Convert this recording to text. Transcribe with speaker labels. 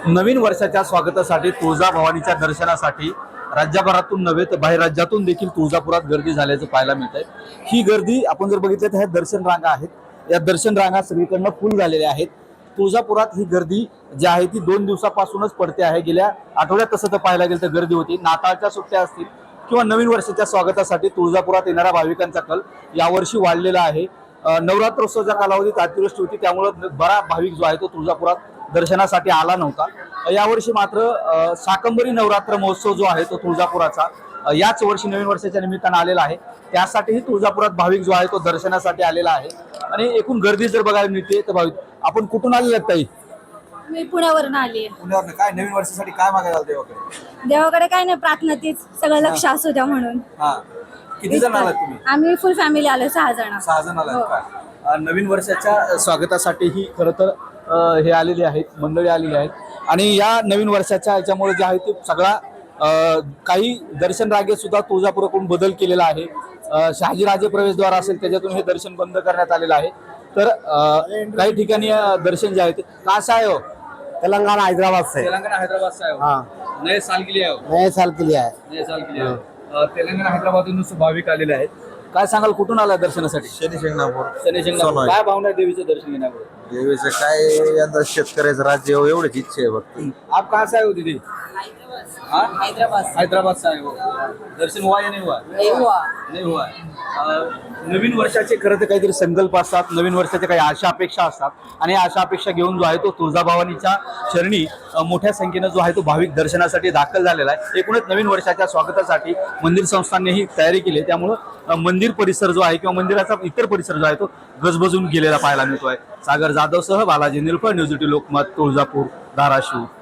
Speaker 1: नवीन वर्षाच्या स्वागतासाठी तुळजाभवानीच्या दर्शनासाठी राज्यभरातून नव्हे तर बाहेर राज्यातून देखील तुळजापुरात गर्दी झाल्याचं पाहायला मिळत आहे। ही गर्दी आपण जर बघितलं तर ह्या दर्शन रांगा आहेत, या दर्शन रांगा सगळीकडनं फुल झालेल्या आहेत। तुळजापुरात ही गर्दी जी आहे ती 2 दिवसापासूनच पडते आहे। गेल्या आठवड्यात तसं तर पाहायला गेलं तर गर्दी होती। नाताळच्या सुट्ट्या असतील किंवा नवीन वर्षाच्या स्वागतासाठी तुळजापुरात येणाऱ्या भाविकांचा कल यावर्षी वाढलेला आहे। नवरात्रोत्सवाच्या कालावधीत अतिवृष्टी होती, त्यामुळे बरा भाविक जो आहे तो तुळजापुरात दर्शनासाठी आला नव्हता। यावर्षी मात्र शाकंभरी नवरात्र महोत्सव जो आहे तो तुळजापुराचा याच वर्षी नवीन वर्षाच्या निमित्तानं आलेला आहे। त्यासाठीही तुळजापुरात भाविक जो आहे तो दर्शनासाठी आलेला आहे। आणि एकूण गर्दी जर बघायला मिळते तर भाविक, आपण कुठून आलेले आहेत ताई?
Speaker 2: मी पुण्यावरून आली आहे।
Speaker 1: पुण्यावरून काय नवीन वर्षासाठी काय मागायला आले देवाकडे?
Speaker 2: देवाकडे काय नाही, प्रार्थना तीच, सगळं लक्ष असू द्या म्हणून।
Speaker 1: हा, किती जण आलात तुम्ही?
Speaker 2: आम्ही फुल फॅमिली आलो, 6 जण।
Speaker 1: 6 जण आलात का? नवीन वर्षाच्या स्वागतासाठी ही खरं तर हे आलेले आहेत, मंडळी आलेली आहेत। आणि या नवीन वर्षाच्या याच्यामुळे जे आहे ते सगळा काही दर्शन रांगेत सुद्धा तुळजापुराकडून बदल केलेला आहे। शहाजीराजे प्रवेशद्वार असेल त्याच्यातून हे दर्शन बंद करण्यात आलेलं आहे। तर काही ठिकाणी दर्शन जे आहे ते कहाँ आहे हो?
Speaker 3: तेलंगाना हैदराबाद से।
Speaker 1: तेलंगाना हैदराबाद से आए हो?
Speaker 3: हाँ,
Speaker 1: नए साल के लिए आए हो?
Speaker 3: नए साल के लिए है।
Speaker 1: नए साल के लिए आए हो। तेलंगाना हैदराबादून भाविक आलेले आहेत। काय सांगाल, कुठून आला दर्शनासाठी?
Speaker 4: शनी शिंगणापूर
Speaker 1: शनी शिंगणापूर। काय भावना आहे देवीचं दर्शन घेण्यापुढे?
Speaker 4: देवीचं काय यंदा शेतकऱ्याचं राज्य हो एवढीच इच्छा आहे फक्त।
Speaker 1: आप कहाँ से आए हो दीदी? हैदराबाद। हैदराबाद से आए हो। दर्शन हुआ या नहीं हुआ? नहीं हुआ। नवीन वर्षाचे खरं तर काहीतरी संकल्प असतात, नवीन वर्षाच्या काही आशा अपेक्षा असतात आणि आशा अपेक्षा घेऊन जो आहे तो तुळजाभवानीच्या चरणी मोठ्या संख्येनं जो आहे तो भाविक दर्शनासाठी दाखल झालेला आहे। एकूणच नवीन वर्षाच्या स्वागतासाठी मंदिर संस्थांनी ही तयारी केली आहे, त्यामुळं मंदिर परिसर जो आहे किंवा मंदिराचा इतर परिसर जो आहे तो गजबजून गेलेला पाहायला मिळतोय। सागर जाधव सह बालाजी निलफळ, न्यूज 18 लोकमत, तुळजापूर, धाराशिव।